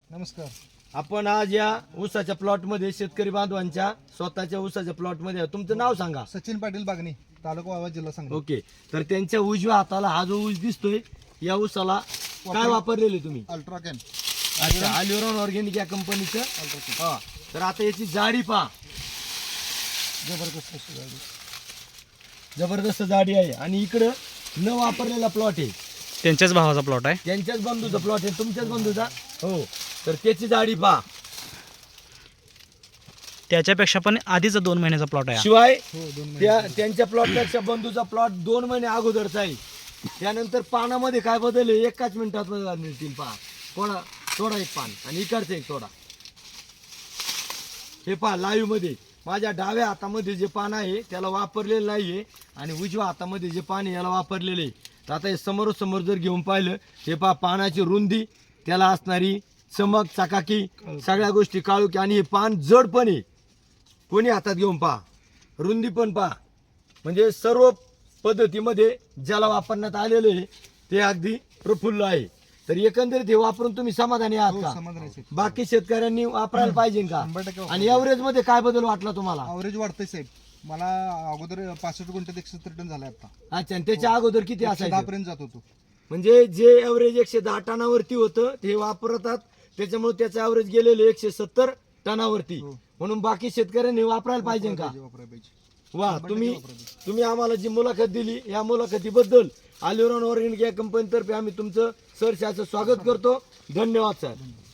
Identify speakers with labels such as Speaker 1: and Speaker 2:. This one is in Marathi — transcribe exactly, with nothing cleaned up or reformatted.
Speaker 1: नमस्कार.
Speaker 2: आपण आज या ऊसाच्या प्लॉट मध्ये शेतकरी बांधवांच्या स्वतःच्या ऊसाच्या प्लॉट मध्ये आहे. तुमचं नाव सांगा.
Speaker 1: सचिन पाटील बागणी, तालुका वावा, जिल्हा सांगली.
Speaker 2: ओके. तर त्यांच्या उजव्या हाताला हा जो ऊस दिसतोय या ऊसाला काय वापरलेले तुम्ही?
Speaker 1: अल्ट्राकॅन.
Speaker 2: अच्छा, अल्युरॉन ऑर्गॅनिक या कंपनीचं.
Speaker 1: अल्ट्राकॅन
Speaker 2: हा. तर आता याची जाडी पहा,
Speaker 1: जबरदस्त अशी गाडी.
Speaker 2: जबरदस्त जाडी आहे. आणि इकडं न वापरलेला प्लॉट आहे,
Speaker 3: त्यांच्याच भावाचा प्लॉट आहे.
Speaker 2: त्यांच्याच बंधूचा प्लॉट आहे, तुमच्याच बंधूचा. हो. तर त्याची जाडी पहा.
Speaker 3: त्याच्यापेक्षा पण आधीचा दोन महिन्याचा प्लॉट आहे.
Speaker 2: शिवाय
Speaker 1: हो, दोन महिने.
Speaker 2: त्या त्यांच्या प्लॉटपेक्षा बंधूचा प्लॉट दोन महिने अगोदरचा आहे. त्यानंतर पानामध्ये काय बदल आहे एकाच मिनिटात बदल मिळतील. पहा, थोडा थोडा एक पान आणि इकडचं एक थोडा. हे पहा लाईव्ह मध्ये माझ्या डाव्या हातामध्ये जे पान आहे त्याला वापरलेलं नाहीये आणि उजव्या हातामध्ये जे पान आहे याला वापरलेलं आहे. तर आता हे समोरासमोर जर घेऊन पाहिलं, हे पहा पानाची रुंदी, त्याला असणारी चमक, चकाकी, सगळ्या गोष्टी काळुकी, आणि हे पान जड पण आहे. कोणी हातात घेऊन पहा, रुंदी पण पहा, म्हणजे सर्व पद्धतीमध्ये ज्याला वापरण्यात आलेलं आहे ते अगदी प्रफुल्ल आहे. तर एकंदरीत हे वापरून तुम्ही समाधानी आहात
Speaker 1: हो,
Speaker 2: का?
Speaker 1: समाधान आहे साहेब.
Speaker 2: बाकी शेतकऱ्यांनी वापरायला पाहिजे का?
Speaker 1: शंभर टक्के वापरायला.
Speaker 2: आणि एव्हरेज मध्ये काय बदल वाटला तुम्हाला?
Speaker 1: अवरेज वाढतंय साहेब. मला अगोदर पासष्ट गुंठ्यात एकशे सत्तर टन झालाय आता.
Speaker 2: अच्छा, आणि त्याच्या अगोदर किती
Speaker 1: दहा
Speaker 2: असायचं?
Speaker 1: पर्यंत जात होतो.
Speaker 2: म्हणजे जे एव्हरेज एकशे दहा टनावरती होतं ते वापरतात, त्याच्यामुळे त्याचं एव्हरेज गेलेलं एकशे सत्तर टनावरती.
Speaker 1: हो.
Speaker 2: म्हणून बाकी शेतकऱ्यांनी वापरायला पाहिजे का?
Speaker 1: वापरायला पाहिजे.
Speaker 2: वा,
Speaker 1: शंभर
Speaker 2: तुम्ही
Speaker 1: टक्के वापरायला पाहिजे.
Speaker 2: तुम्ही आम्हाला जी मुलाखत दिली या मुलाखतीबद्दल अल्युरॉन ऑर्गॅनिक या कंपनीतर्फे आम्ही तुमचं सहर्ष स्वागत करतो. धन्यवाद सर.